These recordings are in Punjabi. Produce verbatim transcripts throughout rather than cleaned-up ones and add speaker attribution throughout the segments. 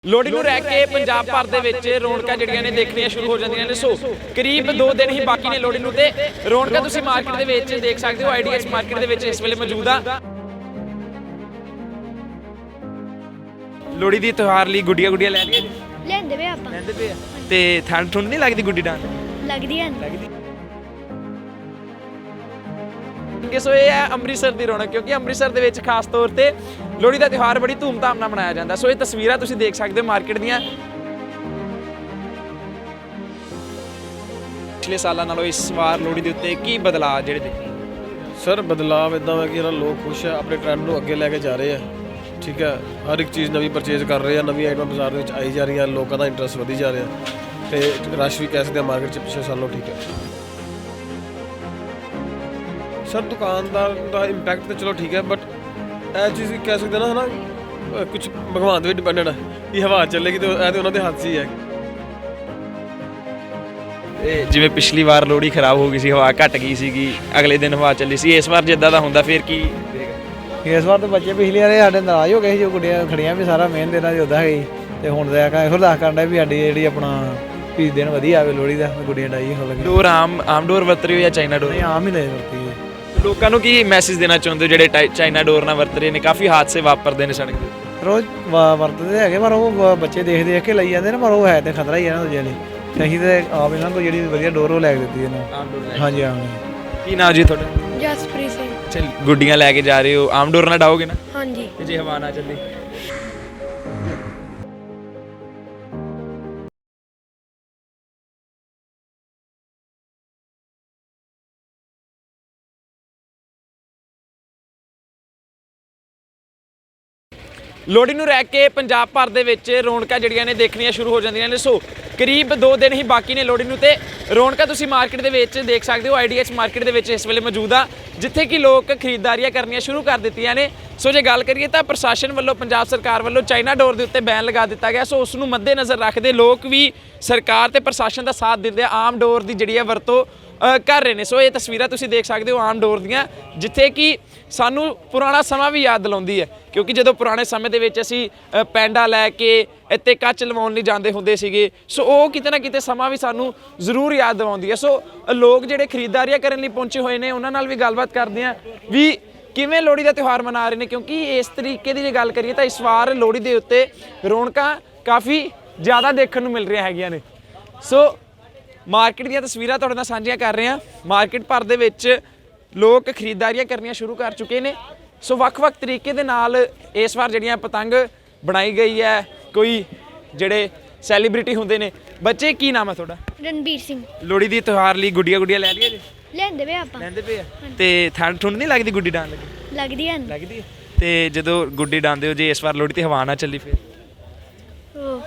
Speaker 1: ਲੋਹੜੀ ਨੂੰ ਰਹਿ ਕੇ ਪੰਜਾਬ ਭਰ ਦੇ ਵਿੱਚ ਰੌਣਕਾਂ ਜਿਹੜੀਆਂ ਨੇ ਦੇਖਣੀਆਂ ਸ਼ੁਰੂ ਹੋ ਜਾਂਦੀਆਂ ਨੇ। ਸੋ ਕਰੀਬ ਦੋ ਦਿਨ ਹੀ ਬਾਕੀ ਨੇ ਲੋਹੜੀ ਨੂੰ ਤੇ ਰੌਣਕਾਂ ਤੁਸੀਂ ਮਾਰਕੀਟ ਦੇ ਵਿੱਚ ਦੇਖ ਸਕਦੇ ਹੋ। ਆਈਡੀਐਸ ਮਾਰਕੀਟ ਦੇ ਵਿੱਚ ਇਸ ਵੇਲੇ ਮੌਜੂਦ ਆ। ਲੋਹੜੀ ਦੀ ਤਿਉਹਾਰ ਲਈ ਗੁੱਡੀਆਂ ਗੁੱਡੀਆਂ ਲੈ ਲਈਏ
Speaker 2: ਲੈਂਦੇ ਵੇ ਆਪਾਂ
Speaker 1: ਲੈਂਦੇ ਪਏ ਆ ਤੇ ਠੰਡ ਠੁੰਡ ਨਹੀਂ ਲੱਗਦੀ ਗੁੱਡੀ ਡਾਂ
Speaker 2: ਲੱਗਦੀ ਹੈ
Speaker 1: ਲੱਗਦੀ। ਸੋ ਇਹ ਹੈ ਅੰਮ੍ਰਿਤਸਰ ਦੀ ਰੌਣਕ, ਕਿਉਂਕਿ ਅੰਮ੍ਰਿਤਸਰ ਦੇ ਵਿੱਚ ਖਾਸ ਤੌਰ ਤੇ ਲੋਹੜੀ ਦਾ ਤਿਉਹਾਰ ਬੜੀ ਧੂਮਧਾਮ ਨਾਲ ਮਨਾਇਆ ਜਾਂਦਾ। ਸੋ ਇਹ ਤਸਵੀਰਾਂ ਤੁਸੀਂ ਦੇਖ ਸਕਦੇ ਹੋ ਮਾਰਕੀਟ ਦੀਆਂ। ਪਿਛਲੇ ਸਾਲਾਂ ਨਾਲੋਂ ਇਸ ਵਾਰ ਲੋਹੜੀ ਦੇ ਉੱਤੇ ਕੀ ਬਦਲਾਅ ਜਿਹੜੇ ਦੇਖੇ?
Speaker 3: ਸਰ ਬਦਲਾਅ ਇੱਦਾਂ ਹੈ ਕਿ ਇਹਨਾਂ ਲੋਕ ਖੁਸ਼ ਹੈ, ਆਪਣੇ ਟ੍ਰੈਂਡ ਨੂੰ ਅੱਗੇ ਲੈ ਕੇ ਜਾ ਰਹੇ ਆ। ਠੀਕ ਹੈ, ਹਰ ਇੱਕ ਚੀਜ਼ ਨਵੀਂ ਪਰਚੇਜ਼ ਕਰ ਰਹੇ ਆ, ਨਵੀਂ ਆਈਟਮਾਂ ਬਾਜ਼ਾਰ ਦੇ ਵਿੱਚ ਆਈ ਜਾ ਰਹੀਆਂ, ਲੋਕਾਂ ਦਾ ਇੰਟਰਸਟ ਵਧੀ ਜਾ ਰਿਹਾ ਤੇ ਰਸ਼ ਵੀ ਕਹਿ ਸਕਦੇ ਆ ਮਾਰਕੀਟ 'ਚ ਪਿਛਲੇ ਸਾਲੋਂ ਠੀਕ ਹੈ। ਸਰ ਦੁਕਾਨਦਾਰ ਦਾ ਇੰਪੈਕਟ ਤਾਂ ਚਲੋ ਠੀਕ ਹੈ, ਬਟ ਇਹ ਚੀਜ਼ ਕਹਿ ਸਕਦੇ ਨਾ ਹੈ ਨਾ ਕੁਝ ਭਗਵਾਨ 'ਤੇ ਵੀ ਡਿਪੈਂਡਡ ਹੈ ਕਿ ਹਵਾ ਚੱਲੇਗੀ ਤੇ ਇਹ ਤਾਂ ਉਹਨਾਂ ਦੇ ਹੱਥ 'ਚ ਹੀ ਹੈ।
Speaker 1: ਇਹ ਜਿਵੇਂ ਪਿਛਲੀ ਵਾਰ ਲੋਹੜੀ ਖਰਾਬ ਹੋ ਗਈ ਸੀ, ਹਵਾ ਘਟ ਗਈ ਸੀਗੀ, ਅਗਲੇ ਦਿਨ ਹਵਾ ਚੱਲੀ ਸੀ, ਇਸ ਵਾਰ ਜਿੱਦਾਂ ਦਾ ਹੁੰਦਾ ਫਿਰ ਕੀ?
Speaker 4: ਇਸ ਵਾਰ ਤਾਂ ਬੱਚੇ ਪਿਛਲੀ ਵਾਰ ਸਾਡੇ ਨਾਰਾਜ਼ ਹੋ ਗਏ ਸੀ, ਜੋ ਗੁੱਡੀਆਂ ਖੜੀਆਂ ਵੀ ਸਾਰਾ ਮੇਨ ਦੇਣਾ ਜੋਦਾ ਹੈਗੀ ਤੇ ਹੁਣ ਤਾਂ ਇਹੋ ਦੱਸ ਕਰਦਾ ਵੀ ਸਾਡੀ ਜਿਹੜੀ ਆਪਣਾ ਵੀ ਦਿਨ ਵਧੀਆ ਆਵੇ ਲੋਹੜੀ ਦਾ, ਗੁੱਡੀਆਂ ਡਾਈ ਹੋ ਲੱਗੀ।
Speaker 1: ਡੋਰ ਆਮ ਆਮ ਡੋਰ ਵਰਤ ਰਹੇ ਹੋ ਜਾਂ ਚਾਈਨਾ ਡੋਰ?
Speaker 4: ਨਹੀਂ ਆਮ ਹੀ ਲੈ ਵਰਤੀ ਹੈ।
Speaker 1: ਲੋਕਾਂ ਨੂੰ ਕੀ ਮੈਸੇਜ ਦੇਣਾ ਚਾਹੁੰਦੇ ਹੋ ਜਿਹੜੇ ਚਾਈਨਾ ਡੋਰ ਨਾਲ ਵਰਤ ਰਹੇ ਨੇ? ਕਾਫੀ ਹਾਦਸੇ ਵਾਪਰਦੇ ਨੇ ਸੜਕ ਤੇ।
Speaker 4: ਰੋਜ਼ ਵਾ- ਵਰਤਦੇ ਹੈਗੇ ਪਰ ਉਹ ਬੱਚੇ ਦੇਖ ਦੇਖ ਕੇ ਲਈ ਜਾਂਦੇ ਨੇ, ਪਰ ਉਹ ਹੈ ਤੇ ਖਤਰਾ ਹੀ ਹੈ ਨਾ ਦੂਜੇ ਲਈ। ਤੇ ਅਸੀਂ ਤੇ ਆਪ ਇਹਨਾਂ ਕੋਲ ਜਿਹੜੀ ਵਧੀਆ ਡੋਰ ਉਹ ਲੈ ਕੇ ਦਿੱਤੀ ਇਹਨਾਂ
Speaker 1: ਆਮ ਡੋਰ
Speaker 4: ਹਾਂਜੀ ਆਮ
Speaker 1: ਕੀ ਨਾਮ ਜੀ ਤੁਹਾਡਾ?
Speaker 2: ਜਸਪ੍ਰੀਤ ਸਿੰਘ।
Speaker 1: ਚਲ ਗੁੱਡੀਆਂ ਲੈ ਕੇ ਜਾ ਰਹੇ ਹੋ, ਆਮ ਡੋਰ ਨਾਲ ਡਾਓਗੇ ਨਾ?
Speaker 2: ਹਾਂਜੀ।
Speaker 1: ਤੇ ਜੇ ਹਵਾ ਨਾ ਚੱਲੀ? ਲੋਹੜੀ ਨੂੰ ਰਹਿ ਕੇ ਪੰਜਾਬ ਭਰ ਦੇ ਵਿੱਚ ਰੌਣਕਾਂ ਜਿਹੜੀਆਂ ਨੇ ਦੇਖਣੀਆਂ ਸ਼ੁਰੂ ਹੋ ਜਾਂਦੀਆਂ ਨੇ। ਸੋ ਕਰੀਬ ਦੋ ਦਿਨ ਹੀ ਬਾਕੀ ਨੇ ਲੋਹੜੀ ਨੂੰ ਤੇ ਰੌਣਕਾਂ ਤੁਸੀਂ ਮਾਰਕੀਟ ਦੇ ਵਿੱਚ ਦੇਖ ਸਕਦੇ ਹੋ। ਆਈਡੀਐਸ ਮਾਰਕੀਟ ਦੇ ਵਿੱਚ ਇਸ ਵੇਲੇ ਮੌਜੂਦ ਆ, ਜਿੱਥੇ ਕਿ ਲੋਕ ਖਰੀਦਦਾਰੀਆਂ ਕਰਨੀਆਂ ਸ਼ੁਰੂ ਕਰ ਦਿੱਤੀਆਂ ਨੇ। ਸੋ ਜੇ ਗੱਲ ਕਰੀਏ ਤਾਂ ਪ੍ਰਸ਼ਾਸਨ ਵੱਲੋਂ, ਪੰਜਾਬ ਸਰਕਾਰ ਵੱਲੋਂ ਚਾਈਨਾ ਡੋਰ ਦੇ ਉੱਤੇ ਬੈਨ ਲਗਾ ਦਿੱਤਾ ਗਿਆ। ਸੋ ਉਸ ਨੂੰ ਮੱਦੇਨਜ਼ਰ ਰੱਖਦੇ ਲੋਕ ਵੀ ਸਰਕਾਰ ਤੇ ਪ੍ਰਸ਼ਾਸਨ ਦਾ ਸਾਥ ਦਿੰਦੇ ਆ, ਆਮ ਡੋਰ ਦੀ ਜਿਹੜੀ ਹੈ ਵਰਤੋਂ ਕਰ ਰਹੇ ਨੇ। ਸੋ ਇਹ ਤਸਵੀਰਾਂ ਤੁਸੀਂ ਦੇਖ ਸਕਦੇ ਹੋ ਆਮ ਡੋਰ ਦੀਆਂ, ਜਿੱਥੇ ਕਿ ਸਾਨੂੰ ਪੁਰਾਣਾ ਸਮਾਂ ਵੀ ਯਾਦ ਦਿਲਾਉਂਦੀ ਹੈ, ਕਿਉਂਕਿ ਜਦੋਂ ਪੁਰਾਣੇ ਸਮੇਂ ਦੇ ਵਿੱਚ ਅਸੀਂ ਪੈਂਡਾ ਲੈ ਕੇ ਇੱਥੇ ਕੱਚ ਲਵਾਉਣ ਲਈ ਜਾਂਦੇ ਹੁੰਦੇ ਸੀਗੇ। ਸੋ ਉਹ ਕਿਤੇ ਨਾ ਕਿਤੇ ਸਮਾਂ ਵੀ ਸਾਨੂੰ ਜ਼ਰੂਰ ਯਾਦ ਦਿਵਾਉਂਦੀ ਹੈ। ਸੋ ਲੋਕ ਜਿਹੜੇ ਖਰੀਦਦਾਰੀਆਂ ਕਰਨ ਲਈ ਪਹੁੰਚੇ ਹੋਏ ਨੇ ਉਹਨਾਂ ਨਾਲ ਵੀ ਗੱਲਬਾਤ ਕਰਦੇ ਹਾਂ ਵੀ ਕਿਵੇਂ ਲੋਹੜੀ ਦਾ ਤਿਉਹਾਰ ਮਨਾ ਰਹੇ ਨੇ, ਕਿਉਂਕਿ ਇਸ ਤਰੀਕੇ ਦੀ ਜੇ ਗੱਲ ਕਰੀਏ ਤਾਂ ਇਸ ਵਾਰ ਲੋਹੜੀ ਦੇ ਉੱਤੇ ਰੌਣਕਾਂ ਕਾਫੀ ਜ਼ਿਆਦਾ ਦੇਖਣ ਨੂੰ ਮਿਲ ਰਹੀਆਂ ਹੈਗੀਆਂ ਨੇ। ਸੋ ਮਾਰਕੀਟ ਦੀਆਂ ਤਸਵੀਰਾਂ ਤੁਹਾਡੇ ਨਾਲ ਸਾਂਝੀਆਂ ਕਰ ਰਹੇ ਹਾਂ। ਮਾਰਕੀਟ ਭਰ ਦੇ ਵਿੱਚ ਲੋਕ ਖਰੀਦਦਾਰੀਆਂ ਕਰਨੀਆਂ ਸ਼ੁਰੂ ਕਰ ਚੁੱਕੇ ਨੇ। ਸੋ ਵੱਖ-ਵੱਖ ਤਰੀਕੇ ਦੇ ਨਾਲ ਇਸ ਵਾਰ ਜਿਹੜੀਆਂ ਪਤੰਗ ਬਣਾਈ ਗਈ ਹੈ, ਕੋਈ ਜਿਹੜੇ ਸੈਲੀਬ੍ਰਿਟੀ ਹੁੰਦੇ ਨੇ। ਬੱਚੇ ਕੀ ਨਾਮ ਹੈ ਤੁਹਾਡਾ?
Speaker 2: ਰਣਬੀਰ ਸਿੰਘ।
Speaker 1: ਲੋਹੜੀ ਦੀ ਤਿਉਹਾਰ ਲਈ ਗੁੱਡੀਆਂ ਗੁੱਡੀਆਂ ਲੈ ਲਈਏ ਜੀ?
Speaker 2: ਲੈਂਦੇ ਵੇ ਆਪਾਂ
Speaker 1: ਲੈਂਦੇ ਪਏ ਆ ਤੇ ਠੰਡ ਠੁੰਡ ਨਹੀਂ ਲੱਗਦੀ ਗੁੱਡੀ ਡਾਂ ਲੱਗੀ?
Speaker 2: ਲੱਗਦੀ ਹੈ
Speaker 1: ਲੱਗਦੀ। ਤੇ ਜਦੋਂ ਗੁੱਡੀ ਡਾਂਦੇ ਹੋ, ਜੇ ਇਸ ਵਾਰ ਲੋਹੜੀ ਤੇ ਹਵਾ ਨਾ ਚੱਲੀ ਫਿਰ?
Speaker 2: ਉਹ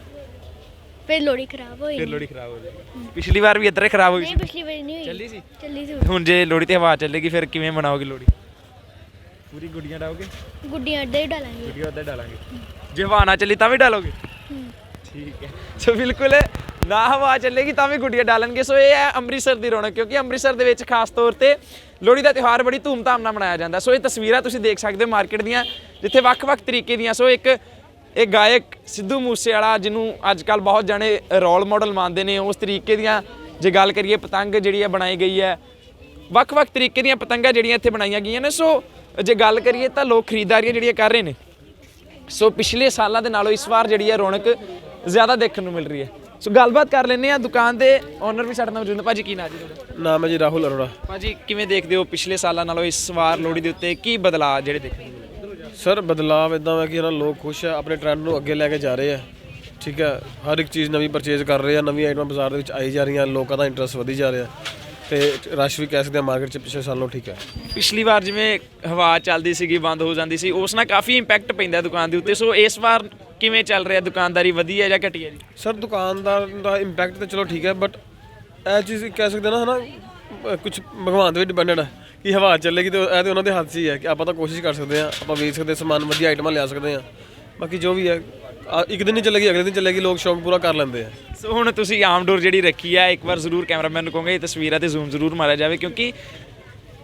Speaker 2: ਫਿਰ ਲੋਹੜੀ ਖਰਾਬ ਹੋਈ।
Speaker 1: ਫਿਰ ਲੋਹੜੀ ਖਰਾਬ ਹੋ ਜਾਏਗੀ। ਪਿਛਲੀ ਵਾਰ ਵੀ ਇੱਧਰ ਖਰਾਬ ਹੋਈ
Speaker 2: ਨਹੀਂ
Speaker 1: ਸੀ?
Speaker 2: ਪਿਛਲੀ ਵਾਰੀ ਨਹੀਂ ਹੋਈ।
Speaker 1: ਚੱਲੀ ਸੀ?
Speaker 2: ਚੱਲੀ ਸੀ।
Speaker 1: ਹੁਣ ਜੇ ਲੋਹੜੀ ਤੇ ਹਵਾ ਚੱਲੇਗੀ ਫਿਰ ਕਿਵੇਂ ਮਨਾਓਗੇ ਲੋਹੜੀ? ਪੂਰੀ ਗੁੱਡੀਆਂ ਡਾਓਗੇ?
Speaker 2: ਗੁੱਡੀਆਂ ਅੱਡੇ ਹੀ ਡਾਲਾਂਗੇ।
Speaker 1: ਗੁੱਡੀਆਂ ਉੱਧਰ ਡਾਲਾਂਗੇ। ਜੇ ਹਵਾ ਨਾ ਚੱਲੀ ਤਾਂ ਵੀ ਡਾਲੋਗੇ? ਠੀਕ ਹੈ। ਸੋ ਬਿਲਕੁਲ ਨਾ ਹਵਾ ਚੱਲੇਗੀ ਤਾਂ ਵੀ ਗੁੱਡੀਆਂ ਡਾਲਣਗੇ। ਸੋ ਇਹ ਹੈ ਅੰਮ੍ਰਿਤਸਰ ਦੀ ਰੌਣਕ, ਕਿਉਂਕਿ ਅੰਮ੍ਰਿਤਸਰ ਦੇ ਵਿੱਚ ਖਾਸ ਤੌਰ ਤੇ ਲੋਹੜੀ ਦਾ ਤਿਉਹਾਰ ਬੜੀ ਧੂਮਧਾਮ ਨਾਲ ਮਨਾਇਆ ਜਾਂਦਾ। ਸੋ ਇਹ ਤਸਵੀਰਾਂ ਤੁਸੀਂ ਦੇਖ ਸਕਦੇ ਹੋ ਮਾਰਕੀਟ ਦੀਆਂ, ਜਿੱਥੇ ਵੱਖ-ਵੱਖ ਤਰੀਕੇ ਦੀਆਂ। ਸੋ ਇੱਕ ਇਹ ਗਾਇਕ ਸਿੱਧੂ ਮੂਸੇਵਾਲਾ, ਜਿਹਨੂੰ ਅੱਜ ਕੱਲ੍ਹ ਬਹੁਤ ਜਾਣੇ ਰੋਲ ਮਾਡਲ ਮੰਨਦੇ ਨੇ, ਉਸ ਤਰੀਕੇ ਦੀਆਂ ਜੇ ਗੱਲ ਕਰੀਏ ਪਤੰਗ ਜਿਹੜੀ ਹੈ ਬਣਾਈ ਗਈ ਹੈ। ਵੱਖ-ਵੱਖ ਤਰੀਕੇ ਦੀਆਂ ਪਤੰਗਾਂ ਜਿਹੜੀਆਂ ਇੱਥੇ ਬਣਾਈਆਂ ਗਈਆਂ ਨੇ। ਸੋ ਜੇ ਗੱਲ ਕਰੀਏ ਤਾਂ ਲੋਕ ਖਰੀਦਦਾਰੀਆਂ ਜਿਹੜੀਆਂ ਕਰ ਰਹੇ ਨੇ। ਸੋ ਪਿਛਲੇ ਸਾਲਾਂ ਦੇ ਨਾਲੋਂ ਇਸ ਵਾਰ ਜਿਹੜੀ ਹੈ ਰੌਣਕ ਜ਼ਿਆਦਾ ਦੇਖਣ ਨੂੰ ਮਿਲ ਰਹੀ ਹੈ। ਸੋ ਗੱਲਬਾਤ ਕਰ ਲੈਂਦੇ ਹਾਂ, ਦੁਕਾਨ ਦੇ ਓਨਰ ਵੀ ਸਾਡੇ ਨਾਲ ਮੌਜੂਦ ਨੇ। ਭਾਜੀ ਕੀ ਨਾਮ ਜੀ ਤੁਹਾਡਾ?
Speaker 3: ਨਾਮ ਹੈ ਜੀ ਰਾਹੁਲ ਅਰੋੜਾ।
Speaker 1: ਭਾਜੀ ਕਿਵੇਂ ਦੇਖਦੇ ਹੋ ਪਿਛਲੇ ਸਾਲਾਂ ਨਾਲੋਂ ਇਸ ਵਾਰ ਲੋਹੜੀ ਦੇ ਉੱਤੇ ਕੀ ਬਦਲਾਅ ਜਿਹੜੇ ਦੇਖਣ ਨੂੰ ਮਿਲੇ?
Speaker 3: ਸਰ ਬਦਲਾਅ ਇੱਦਾਂ ਹੈ ਕਿ ਇਹਨਾਂ ਲੋਕ ਖੁਸ਼ ਹੈ, ਆਪਣੇ ਟ੍ਰੈਂਡ ਨੂੰ ਅੱਗੇ ਲੈ ਕੇ ਜਾ ਰਹੇ ਆ। ਠੀਕ ਹੈ, ਹਰ ਇੱਕ ਚੀਜ਼ ਨਵੀਂ ਪਰਚੇਜ਼ ਕਰ ਰਹੇ ਆ, ਨਵੀਂ ਆਈਟਮਾਂ ਬਾਜ਼ਾਰ ਦੇ ਵਿੱਚ ਆਈ ਜਾ ਰਹੀਆਂ, ਲੋਕਾਂ ਦਾ ਇੰਟਰਸਟ ਵਧੀ ਜਾ ਰਿਹਾ ਤੇ ਰਸ਼ ਵੀ ਕਹਿ ਸਕਦੇ ਆ ਮਾਰਕੀਟ 'ਚ ਪਿਛਲੇ ਸਾਲੋਂ ਠੀਕ ਹੈ।
Speaker 1: ਪਿਛਲੀ ਵਾਰ ਜਿਵੇਂ ਹਵਾ ਚੱਲਦੀ ਸੀਗੀ, ਬੰਦ ਹੋ ਜਾਂਦੀ ਸੀ, ਉਸ ਨਾਲ ਕਾਫੀ ਇੰਪੈਕਟ ਪੈਂਦਾ ਦੁਕਾਨ ਦੇ ਉੱਤੇ। ਸੋ ਇਸ ਵਾਰ ਕਿਵੇਂ ਚੱਲ ਰਿਹਾ ਦੁਕਾਨਦਾਰੀ, ਵਧੀਆ ਜਾਂ ਘਟੀਆ ਜੀ?
Speaker 3: ਸਰ ਦੁਕਾਨਦਾਰ ਦਾ ਇੰਪੈਕਟ ਤਾਂ ਚਲੋ ਠੀਕ ਹੈ, ਬਟ ਇਹ ਚੀਜ਼ ਕਹਿ ਸਕਦੇ ਨਾ ਹੈ ਨਾ ਕੁਝ ਭਗਵਾਨ 'ਤੇ ਵੀ ਡਿਪੈਂਡਡ ਹੈ ਕਿ ਹਵਾ ਚੱਲੇਗੀ ਤੇ ਇਹ ਤਾਂ ਉਹਨਾਂ ਦੇ ਹੱਥ 'ਚ ਹੀ ਹੈ ਕਿ ਆਪਾਂ ਤਾਂ ਕੋਸ਼ਿਸ਼ ਕਰ ਸਕਦੇ ਹਾਂ, ਆਪਾਂ ਵੇਚ ਸਕਦੇ ਸਮਾਨ, ਵਧੀਆ ਆਈਟਮਾਂ ਲਿਆ ਸਕਦੇ ਹਾਂ। ਬਾਕੀ ਜੋ ਵੀ ਹੈ ਇੱਕ ਦਿਨ ਹੀ ਚੱਲੇਗੀ, ਅਗਲੇ ਦਿਨ ਚੱਲੇਗੀ, ਲੋਕ ਸ਼ੌਂਕ ਪੂਰਾ ਕਰ ਲੈਂਦੇ ਆ।
Speaker 1: ਸੋ ਹੁਣ ਤੁਸੀਂ ਆਮ ਡੋਰ ਜਿਹੜੀ ਰੱਖੀ ਹੈ, ਇੱਕ ਵਾਰ ਜ਼ਰੂਰ ਕੈਮਰਾਮੈਨ ਨੂੰ ਕਹੋਗੇ ਇਹ ਤਸਵੀਰਾਂ ਤੇ ਜ਼ੂਮ ਜ਼ਰੂਰ ਮਾਰਿਆ ਜਾਵੇ, ਕਿਉਂਕਿ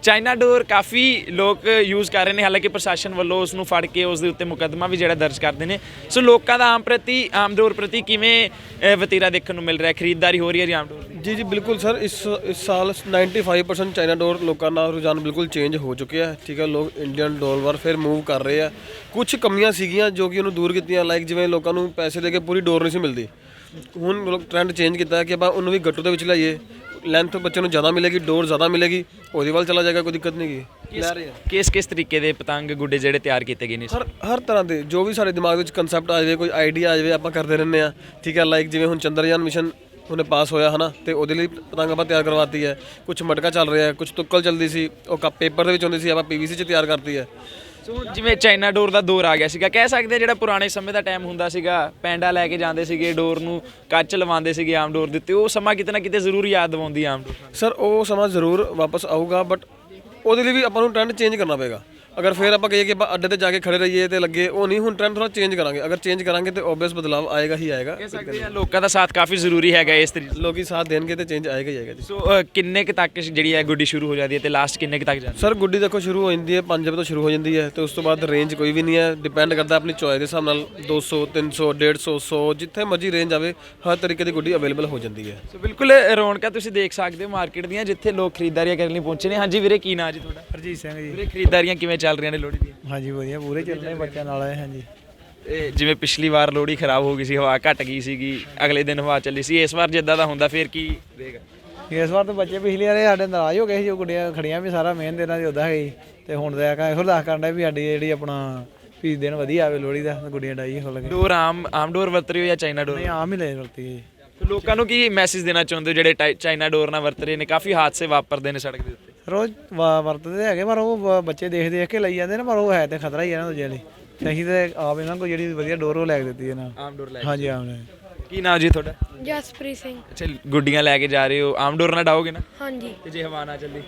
Speaker 1: ਚਾਈਨਾ ਡੋਰ ਕਾਫੀ ਲੋਕ ਯੂਜ਼ ਕਰ ਰਹੇ ਨੇ, ਹਾਲਾਂਕਿ ਪ੍ਰਸ਼ਾਸਨ ਵੱਲੋਂ ਉਸ ਨੂੰ ਫੜ ਕੇ ਉਸ ਦੇ ਉੱਤੇ ਮੁਕੱਦਮਾ ਵੀ ਜਿਹੜਾ ਦਰਜ ਕਰਦੇ ਨੇ। ਸੋ ਲੋਕਾਂ ਦਾ ਆਮ ਪ੍ਰਤੀ ਆਮ ਡੋਰ ਪ੍ਰਤੀ ਕਿਵੇਂ ਅ, ਵਤੀਰਾ ਦੇਖਣ ਨੂੰ ਮਿਲ ਰਿਹਾ, ਖਰੀਦਦਾਰੀ ਹੋ ਰਹੀ ਹੈ ਜੀ ਆਮ ਡੋਰ ਦੀ?
Speaker 3: ਜੀ ਜੀ ਬਿਲਕੁਲ ਸਰ, ਇਸ ਇਸ ਸਾਲ ਨਾਈਨਟੀ ਫਾਈਵ ਪਰਸੈਂਟ ਚਾਈਨਾ ਡੋਰ ਲੋਕਾਂ ਦਾ ਰੁਝਾਨ ਬਿਲਕੁਲ ਚੇਂਜ ਹੋ ਚੁੱਕਿਆ ਹੈ। ਠੀਕ ਹੈ, ਲੋਕ ਇੰਡੀਅਨ ਡੋਰ ਵੱਲ ਫਿਰ ਮੂਵ ਕਰ ਰਹੇ ਆ। ਕੁਝ ਕਮੀਆਂ ਸੀਗੀਆਂ ਜੋ ਕਿ ਉਹਨੂੰ ਦੂਰ ਕੀਤੀਆਂ, ਲਾਈਕ ਜਿਵੇਂ ਲੋਕਾਂ ਨੂੰ ਪੈਸੇ ਦੇ ਕੇ ਪੂਰੀ ਡੋਰ ਨਹੀਂ ਸੀ ਮਿਲਦੀ। ਹੁਣ ਲੋਕ ਟ੍ਰੈਂਡ ਚੇਂਜ ਕੀਤਾ ਕਿ ਆਪਾਂ ਉਹਨੂੰ ਵੀ ਗੱਟੂ ਦੇ ਵਿੱਚ ਲਾਈਏ, ਲੈਂਥ ਬੱਚੇ ਨੂੰ ਜ਼ਿਆਦਾ ਮਿਲੇਗੀ, ਡੋਰ ਜ਼ਿਆਦਾ ਮਿਲੇਗੀ, ਉਹਦੇ ਵੱਲ ਚਲਾ ਜਾਏਗਾ, ਕੋਈ ਦਿੱਕਤ ਨਹੀਂ ਗੀ। ਲੈ ਰਹੇ ਆ
Speaker 1: ਕਿਸ ਕਿਸ ਤਰੀਕੇ ਦੇ ਪਤੰਗ ਗੁੱਡੇ ਜਿਹੜੇ ਤਿਆਰ ਕੀਤੇ ਗਏ ਨੇ?
Speaker 3: ਹਰ ਹਰ ਤਰ੍ਹਾਂ ਦੇ ਜੋ ਵੀ ਸਾਡੇ ਦਿਮਾਗ ਵਿੱਚ ਕਨਸੈਪਟ ਆ ਜਾਵੇ, ਕੋਈ ਆਈਡੀਆ ਆ ਜਾਵੇ, ਆਪਾਂ ਕਰਦੇ ਰਹਿੰਦੇ ਆ। ਠੀਕ ਹੈ, ਲਾਈਕ ਜਿਵੇਂ ਹੁਣ ਚੰਦਰਯਾਨ ਮਿਸ਼ਨ ਉਹਨੇ ਪਾਸ ਹੋਇਆ ਹਨਾ, ਤੇ ਉਹਦੇ ਲਈ ਪਤੰਗ ਆਪਾਂ ਤਿਆਰ ਕਰਵਾਤੀ ਹੈ। ਕੁਝ ਮਟਕਾ ਚੱਲ ਰਿਹਾ ਹੈ, ਕੁਝ ਤੁੱਕਲ ਚੱਲਦੀ ਸੀ, ਉਹ ਕੱਪ ਪੇਪਰ ਦੇ ਵਿੱਚ ਹੁੰਦੀ ਸੀ, ਆਪਾਂ ਪੀਵੀਸੀ 'ਚ ਤਿਆਰ ਕਰਤੀ ਹੈ।
Speaker 1: ਸੋ ਜਿਵੇਂ ਚਾਈਨਾ ਡੋਰ ਦਾ ਦੌਰ ਆ ਗਿਆ ਸੀਗਾ, ਕਹਿ ਸਕਦੇ ਜਿਹੜਾ ਪੁਰਾਣੇ ਸਮੇਂ ਦਾ ਟਾਈਮ ਹੁੰਦਾ ਸੀਗਾ, ਪੈਂਡਾ ਲੈ ਕੇ ਜਾਂਦੇ ਸੀਗੇ, ਡੋਰ ਨੂੰ ਕੱਚ ਲਵਾਉਂਦੇ ਸੀਗੇ ਆਮ ਡੋਰ ਦੇ ਉੱਤੇ, ਉਹ ਸਮਾਂ ਕਿਤੇ ਨਾ ਕਿਤੇ ਜ਼ਰੂਰ ਯਾਦ ਦਿਵਾਉਂਦੀ ਆਮ ਡੋਰ।
Speaker 3: ਸਰ ਉਹ ਸਮਾਂ ਜ਼ਰੂਰ ਵਾਪਸ ਆਊਗਾ, ਬਟ ਉਹਦੇ ਲਈ ਵੀ ਆਪਾਂ ਨੂੰ ਟ੍ਰੈਂਡ ਚੇਂਜ ਕਰਨਾ ਪਏਗਾ। ਅਗਰ ਫਿਰ ਆਪਾਂ ਕਹੀਏ ਕਿ ਆਪਾਂ ਅੱਡੇ ਤੇ ਜਾ ਕੇ ਖੜੇ ਰਹੀਏ ਤੇ ਲੱਗੇ, ਉਹ ਨਹੀਂ। ਹੁਣ ਟ੍ਰੈਂਡ ਥੋੜਾ ਚੇਂਜ ਕਰਾਂਗੇ, ਅਗਰ ਚੇਂਜ ਕਰਾਂਗੇ ਤੇ ਓਬਵੀਅਸ ਬਦਲਾਵ ਆਏਗਾ ਹੀ ਆਏਗਾ।
Speaker 1: ਕਹਿ ਸਕਦੇ ਆ ਲੋਕਾਂ ਦਾ ਸਾਥ ਕਾਫੀ ਜ਼ਰੂਰੀ ਹੈਗਾ ਇਸ ਤਰੀਕੇ।
Speaker 3: ਲੋਕੀ ਸਾਥ ਦੇਣਗੇ ਤੇ ਚੇਂਜ ਆਏਗਾ ਹੀ ਆਏਗਾ ਜੀ।
Speaker 1: ਸੋ ਅ, ਕਿੰਨੇ ਕੁ ਤੱਕ ਜਿਹੜੀ ਹੈ ਗੁੱਡੀ ਸ਼ੁਰੂ ਹੋ ਜਾਂਦੀ ਹੈ ਤੇ ਲਾਸਟ ਕਿੰਨੇ ਕੁ ਤੱਕ ਜਾਂਦੀ
Speaker 3: ਸਰ ਗੁੱਡੀ ਦੇਖੋ ਸ਼ੁਰੂ ਹੋ ਜਾਂਦੀ ਹੈ ਪੰਜ ਵਜੇ ਤੋਂ ਸ਼ੁਰੂ ਹੋ ਜਾਂਦੀ ਹੈ, ਤੇ ਉਸ ਤੋਂ ਬਾਅਦ ਰੇਂਜ ਕੋਈ ਵੀ ਨਹੀਂ ਹੈ, ਡਿਪੈਂਡ ਕਰਦਾ ਆਪਣੀ ਚੋਇਸ ਦੇ ਹਿਸਾਬ ਨਾਲ। ਦੋ ਸੌ ਤਿੰਨ ਸੌ ਡੇਢ ਸੌ ਸੌ ਜਿੱਥੇ ਮਰਜ਼ੀ ਰੇਂਜ ਆਵੇ, ਹਰ ਤਰੀਕੇ ਦੀ ਗੁੱਡੀ ਅਵੇਲੇਬਲ ਹੋ ਜਾਂਦੀ ਹੈ।
Speaker 1: ਸੋ ਬਿਲਕੁਲ ਰੌਣਕਾਂ ਤੁਸੀਂ ਦੇਖ ਸਕਦੇ ਹੋ ਮਾਰਕੀਟ ਦੀਆਂ, ਜਿੱਥੇ ਲੋਕ ਖਰੀਦਦਾਰੀਆਂ ਕਰਨ ਲਈ ਪਹੁੰਚੇ ਨੇ। ਹਾਂਜੀ ਵੀਰੇ, ਕੀ ਨਾਂ ਜੀ ਤੁਹਾਡਾ?
Speaker 4: ਹਰਜੀਤ ਸਿੰਘ ਜੀ।
Speaker 1: ਵੀਰੇ ਖਰੀਦਦਾਰੀਆਂ ਕਿਵੇਂ ਚੱਲ ਰਹੀਆਂ ਨੇ ਲੋਹੜੀ ਦੀਆਂ?
Speaker 4: ਹਾਂਜੀ ਵਧੀਆ, ਪੂਰੇ ਚੱਲਣੇ ਬੱਚਿਆਂ ਨਾਲ ਆਏ। ਹਾਂਜੀ
Speaker 1: ਇਹ ਜਿਵੇਂ ਪਿਛਲੀ ਵਾਰ ਲੋਹੜੀ ਖਰਾਬ ਹੋ ਗਈ ਸੀ, ਹਵਾ ਘਟ ਗਈ ਸੀਗੀ, ਅਗਲੇ ਦਿਨ ਹਵਾ ਚੱਲੀ ਸੀ, ਇਸ ਵਾਰ ਜਿੱਦਾਂ ਦਾ ਹੁੰਦਾ ਫਿਰ ਕੀ ਰਹੇਗਾ?
Speaker 4: ਇਸ ਵਾਰ ਤਾਂ ਬੱਚੇ ਪਿਛਲੀ ਵਾਰੇ ਸਾਡੇ ਨਾਰਾਜ਼ ਹੋ ਗਏ ਸੀ, ਜੋ ਗੁੱਡੀਆਂ ਖੜੀਆਂ ਵੀ ਸਾਰਾ ਮੇਨ ਦਿਨਾਂ ਦੀ ਉੱਦਾਂ ਹੈਗੀ। ਤੇ ਹੁਣ ਤਾਂ ਆਖਾਂ ਇਹੋ ਅਰਦਾਸ ਕਰਨ ਡਿਆ ਵੀ ਸਾਡੀ ਜਿਹੜੀ ਆਪਣਾ ਵੀ ਦਿਨ ਵਧੀਆ ਆਵੇ ਲੋਹੜੀ ਦਾ, ਗੁੱਡੀਆਂ ਡਾਈ ਖੁੱਲ ਕੇ।
Speaker 1: ਡੋਰ ਆਮ ਆਮ ਡੋਰ ਵਰਤ ਰਹੇ ਹੋ ਜਾਂ ਚਾਈਨਾ ਡੋਰ?
Speaker 4: ਨਹੀਂ ਆਮ ਹੀ ਲੈ ਵਰਤੀ ਜੀ।
Speaker 1: ਤੇ ਲੋਕਾਂ ਨੂੰ ਕੀ ਮੈਸੇਜ ਦੇਣਾ ਚਾਹੁੰਦੇ ਹੋ ਜਿਹੜੇ ਟਾਈ- ਚਾਈਨਾ ਡੋਰ ਨਾਲ ਵਰਤ ਰਹੇ ਨੇ? ਕਾਫੀ ਹਾਦਸੇ ਵਾਪਰਦੇ ਨੇ ਸੜਕ ਦੇ ਉੱਤੇ।
Speaker 4: ਰੋਜ਼ ਵਾ- ਵਰਤਦੇ ਹੈਗੇ, ਪਰ ਉਹ ਬ- ਬੱਚੇ ਦੇਖ ਦੇਖ ਕੇ ਲਈ ਜਾਂਦੇ ਨੇ, ਪਰ ਉਹ ਹੈ ਤੇ ਖਤਰਾ ਹੀ ਹੈ ਨਾ ਦੂਜਿਆਂ ਲਈ। ਤੇ ਅਸੀਂ ਤੇ ਆਪ ਇਹਨਾਂ ਕੋਲ ਜਿਹੜੀ ਵਧੀਆ ਡੋਰ ਉਹ ਲੈ ਕੇ ਦਿੱਤੀ ਇਹਨਾਂ।
Speaker 1: ਆਮ ਡੋਰ ਲੈ
Speaker 4: ਹਾਂਜੀ ਆਮ ਲੈ।
Speaker 1: ਕੀ ਨਾਮ ਜੀ ਤੁਹਾਡਾ?
Speaker 2: ਜਸਪ੍ਰੀਤ ਸਿੰਘ।
Speaker 1: ਅੱਛਾ, ਗੁੱਡੀਆਂ ਲੈ ਕੇ ਜਾ ਰਹੇ ਹੋ, ਆਮ ਡੋਰ ਨਾਲ ਡਾਓਗੇ ਨਾ?
Speaker 2: ਹਾਂਜੀ,
Speaker 1: ਤੇ ਜੇ ਹਵਾ ਨਾ ਚੱਲੀ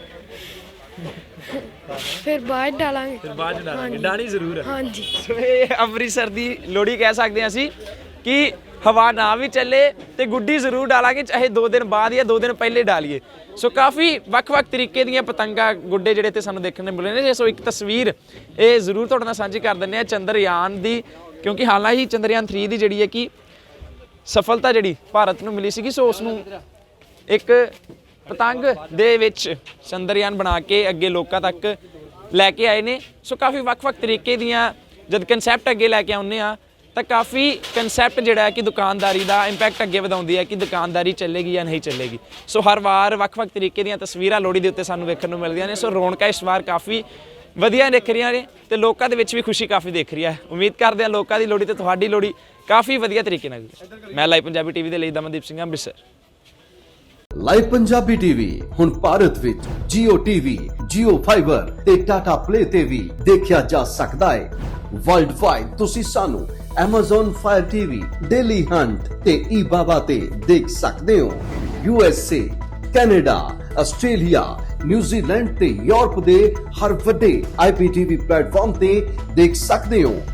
Speaker 2: ਫਿਰ ਬਾਅਦ ਡਾਲਾਂਗੇ।
Speaker 1: ਫਿਰ ਬਾਅਦ ਚ ਡਾਲਾਂਗੇ। ਡਾਣੀ ਜ਼ਰੂਰ ਹੈ।
Speaker 2: ਹਾਂਜੀ,
Speaker 1: ਸੋ ਇਹ ਅੰਮ੍ਰਿਤਸਰ ਦੀ ਲੋਹੜੀ ਕਹਿ ਸਕਦੇ ਹਾਂ ਅਸੀਂ ਕਿ ਹਵਾ ਨਾ ਵੀ ਚੱਲੇ ਤੇ ਗੁੱਡੀ ਜ਼ਰੂਰ ਡਾਲਾਂਗੇ, ਚਾਹੇ ਦੋ ਦਿਨ ਬਾਅਦ ਜਾਂ ਦੋ ਦਿਨ ਪਹਿਲੇ ਡਾਲੀਏ। ਸੋ ਕਾਫੀ ਵੱਖ-ਵੱਖ ਤਰੀਕੇ ਦੀਆਂ ਪਤੰਗਾਂ ਗੁੱਡੇ ਜਿਹੜੇ ਤੇ ਸਾਨੂੰ ਦੇਖਣ ਨੂੰ ਮਿਲੇ ਨੇ। ਸੋ ਇੱਕ ਤਸਵੀਰ ਇਹ ਜ਼ਰੂਰ ਤੁਹਾਡੇ ਨਾਲ ਸਾਂਝੀ ਕਰ ਦਿੰਦੇ ਆ ਚੰਦਰਯਾਨ ਦੀ, ਕਿਉਂਕਿ ਹਾਲਾਂਕਿ ਚੰਦਰਯਾਨ ਥ੍ਰੀ ਦੀ ਜਿਹੜੀ ਹੈ ਕਿ ਸਫਲਤਾ ਜਿਹੜੀ ਭਾਰਤ ਨੂੰ ਮਿਲੀ ਸੀਗੀ, ਸੋ ਉਸ ਨੂੰ ਇੱਕ ਪਤੰਗ ਦੇ ਵਿੱਚ ਚੰਦਰਯਾਨ ਬਣਾ ਕੇ ਅੱਗੇ ਲੋਕਾਂ ਤੱਕ ਲੈ ਕੇ ਆਏ ਨੇ। ਸੋ ਕਾਫੀ ਵੱਖ-ਵੱਖ ਤਰੀਕੇ ਦੀਆਂ ਜਦ ਕਨਸੈਪਟ ਅੱਗੇ ਲੈ ਕੇ ਆਉਂਦੇ ਆ ਤਾਂ ਕਾਫੀ ਕਨਸੈਪਟ ਜਿਹੜਾ ਹੈ ਕਿ ਦੁਕਾਨਦਾਰੀ ਦਾ ਇੰਪੈਕਟ ਅੱਗੇ ਵਧਾਉਂਦੀ ਹੈ ਕਿ ਦੁਕਾਨਦਾਰੀ ਚੱਲੇਗੀ ਜਾਂ ਨਹੀਂ ਚੱਲੇਗੀ। ਸੋ ਹਰ ਵਾਰ ਵੱਖ-ਵੱਖ ਤਰੀਕੇ ਦੀਆਂ ਤਸਵੀਰਾਂ ਲੋਹੜੀ ਦੇ ਉੱਤੇ ਸਾਨੂੰ ਵੇਖਣ ਨੂੰ ਮਿਲਦੀਆਂ ਨੇ। ਸੋ ਰੌਣਕਾਂ ਇਸ ਵਾਰ ਕਾਫੀ ਵਧੀਆ ਦਿਖ ਰਹੀਆਂ ਨੇ ਤੇ ਲੋਕਾਂ ਦੇ ਵਿੱਚ ਵੀ ਖੁਸ਼ੀ ਕਾਫੀ ਦਿਖ ਰਹੀ ਹੈ। ਉਮੀਦ ਕਰਦੇ ਹਾਂ ਲੋਕਾਂ ਦੀ ਲੋਹੜੀ ਤੇ ਤੁਹਾਡੀ ਲੋਹੜੀ ਕਾਫੀ ਵਧੀਆ ਤਰੀਕੇ ਨਾਲ ਗੁਜ਼ਰੇ। ਮੈਂ ਲਾਈਵ ਪੰਜਾਬੀ ਟੀਵੀ ਦੇ ਲਈ ਦਮਨਦੀਪ ਸਿੰਘ ਅੰਮ੍ਰਿਤਸਰ।
Speaker 5: ਲਾਈਵ ਪੰਜਾਬੀ ਟੀਵੀ ਹੁਣ ਭਾਰਤ ਵਿੱਚ Jio T V, Jio Fiber ਤੇ Tata Play ਤੇ ਵੀ ਦੇਖਿਆ ਜਾ ਸਕਦਾ ਹੈ। ਵਰਲਡ ਵਾਈਡ ਤੁਸੀਂ ਸਾਨੂੰ Amazon Fire T V, Daily Hunt ਤੇ eBaba ਤੇ ਦੇਖ ਸਕਦੇ ਹੋ। U S A, Canada, Australia, New Zealand ਤੇ ਯੂਰਪ ਦੇ ਹਰ ਵੱਡੇ ਆਈ ਪੀ ਟੀ ਵੀ ਪਲੇਟਫਾਰਮ ਤੇ ਦੇਖ ਸਕਦੇ ਹੋ।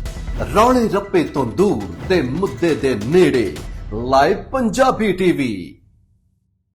Speaker 5: ਰੌਲੇ ਰੱਪੇ ਤੋਂ ਦੂਰ ਤੇ ਮੁੱਦੇ ਦੇ ਨੇੜੇ, ਲਾਈਵ ਪੰਜਾਬੀ ਟੀਵੀ।